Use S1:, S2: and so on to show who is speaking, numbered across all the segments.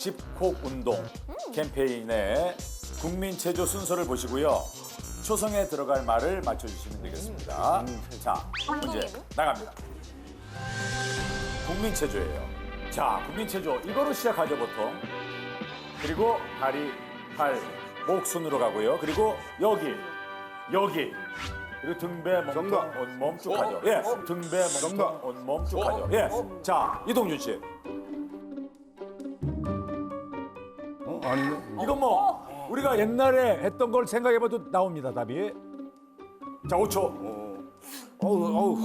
S1: 집콕 운동 캠페인의 국민 체조 순서를 보시고요. 초성에 들어갈 말을 맞춰주시면 되겠습니다. 자, 문제 나갑니다. 국민 체조예요. 자, 국민 체조 이거로 시작하죠 보통. 그리고 다리, 팔, 목 순으로 가고요. 그리고 여기. 그리고 등배, 몸통,
S2: 정답.
S1: 온몸 쭉 가죠. 예, 등배, 몸통,
S2: 정답.
S1: 온몸 쭉 가죠. 예, 자 이동준 씨.
S2: 아니네.
S1: 이건 뭐 우리가 옛날에 했던 걸 생각해봐도 나옵니다 답이. 자 5초.
S2: 어우.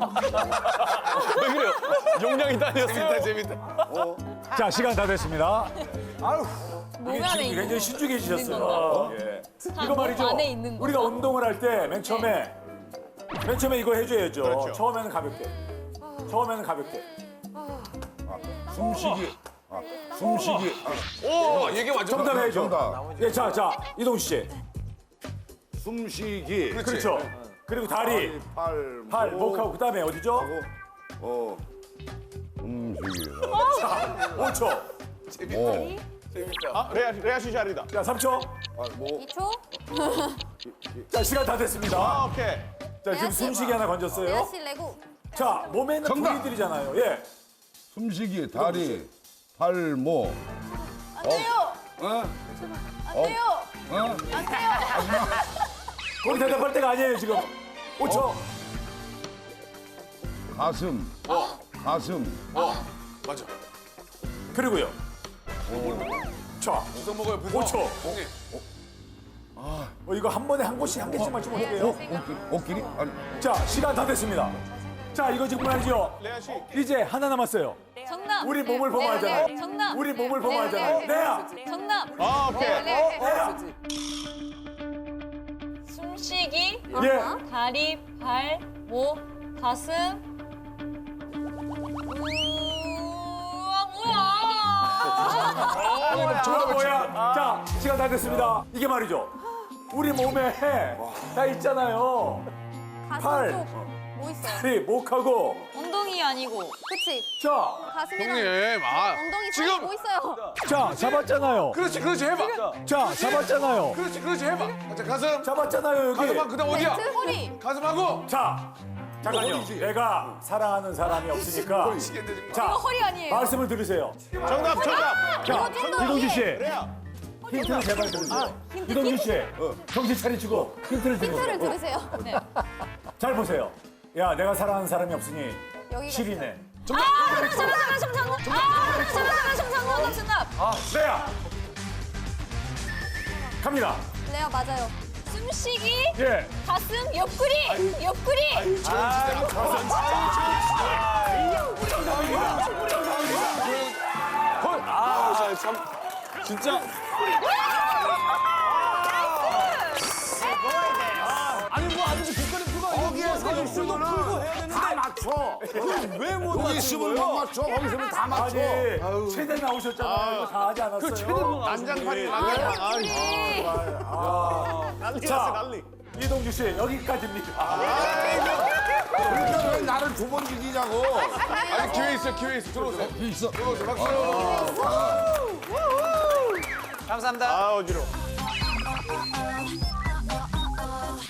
S3: 왜 그래요? 용량이 딸렸어요.
S2: 재밌다.
S1: 자 시간 다 됐습니다.
S4: 몸 안에 있는
S1: 굉장히 신중해지셨어요. 예. 이거 말이죠.
S4: 안에 있는 거.
S1: 우리가 운동을 할 때 맨 처음에 이거 해줘야죠.
S2: 그렇죠.
S1: 처음에는 가볍게.
S2: 숨쉬기. 숨쉬기.
S3: 오, 이게 완전
S1: 정답 해야죠.
S2: 정답.
S1: 예, 자 이동수 씨.
S2: 숨쉬기.
S1: 그렇죠. 그리고 다리, 팔, 목하고 그다음에 어디죠?
S2: 숨쉬기.
S1: 5초.
S3: 아, 레아 씨 자리다.
S1: 자 3초.
S2: 뭐
S4: 2초.
S1: 자 시간 다 됐습니다.
S3: 오케이.
S1: 자 지금 숨쉬기 하나 건졌어요.
S4: 레아씨 레고.
S1: 자 몸에 있는
S2: 정답.
S1: 부위들이잖아요. 예.
S2: 숨쉬기. 다리, 팔, 목.
S4: 안 돼요.
S2: 어?
S4: 안 돼요.
S2: 어?
S4: 안 돼요.
S1: 거기 대답할 때가 아니에요 지금. 5초.
S2: 가슴. 가슴.
S3: 맞아.
S1: 그리고요. 자
S3: 부서 먹어요, 부서.
S1: 5초.
S3: 형님.
S1: 이거 한 번에 한 곳씩 한 개씩만 좀 해볼게요.
S2: 옷길이? 아니.
S1: 자 시간 다 됐습니다. 자 이거 지금 말이죠.
S3: 레아 씨.
S1: 이제 하나 남았어요.
S4: 정답.
S1: 우리 몸을 보면
S4: 네,
S1: 알잖아요.
S4: 네, 정답.
S1: 우리 몸을 보면 알잖아요. 내야.
S4: 정답.
S3: 아, 오케이.
S1: 내야.
S5: 숨쉬기,
S1: 예.
S5: 다리, 발, 목, 가슴. 뭐야?
S1: 정답 뭐야? 자 시간 다 됐습니다. 이게 말이죠. 우리 몸에 다 있잖아요. 팔.
S4: 가슴 쪽뭐 있어요?
S1: 다리, 목하고.
S5: 엉덩이 아니고.
S4: 그치.
S1: 자,
S4: 가슴이랑
S3: 형님,
S4: 엉덩이 사이
S3: 지금.
S4: 뭐 있어요?
S1: 자 잡았잖아요.
S3: 그렇지, 해봐.
S1: 자 잡았잖아요.
S3: 그렇지, 해봐. 자, 가슴.
S1: 잡았잖아요 여기.
S3: 가슴하고 그다음 어디야?
S4: 벨트, 허리.
S3: 가슴하고.
S1: 자 잠깐요. 내가 사랑하는 사람이 없으니까. 자
S4: 이거 허리 아니에요.
S1: 말씀을 들으세요.
S3: 정답.
S1: 자
S4: 좀더
S1: 이동준 씨.
S3: 레아.
S1: 힌트를 제발 들으세요. 이동준 씨, 정신 차리시고 힌트를
S4: 힌트를
S1: 들으세요.
S4: 들으세요.
S1: 잘 보세요. 야, 내가 사랑하는 사람이 없으니
S4: 여기가
S1: 실이네.
S5: 정답.
S1: 레야. 갑니다.
S4: 레아 맞아요.
S5: 숨쉬기,
S1: 예.
S5: 가슴, 옆구리, 옆구리.
S3: 진짜.
S2: 거기에서 있으면 다 맞춰.
S3: 왜못
S2: 여기 있으면 못 맞춰. 거기 있으면 다 맞춰.
S1: 아니, 최대 나오셨잖아요. 이거 다 하지 않았어요?
S3: 난장판이
S1: 자,
S3: 난리.
S1: 이동준 씨, 여기까지입니다.
S2: 그러니까 왜 나를 두 번 이기냐고.
S3: 아니, 기회 있어. 들어오세요.
S2: 있어.
S3: 박수.
S6: 감사합니다.
S3: 아, 어지러워.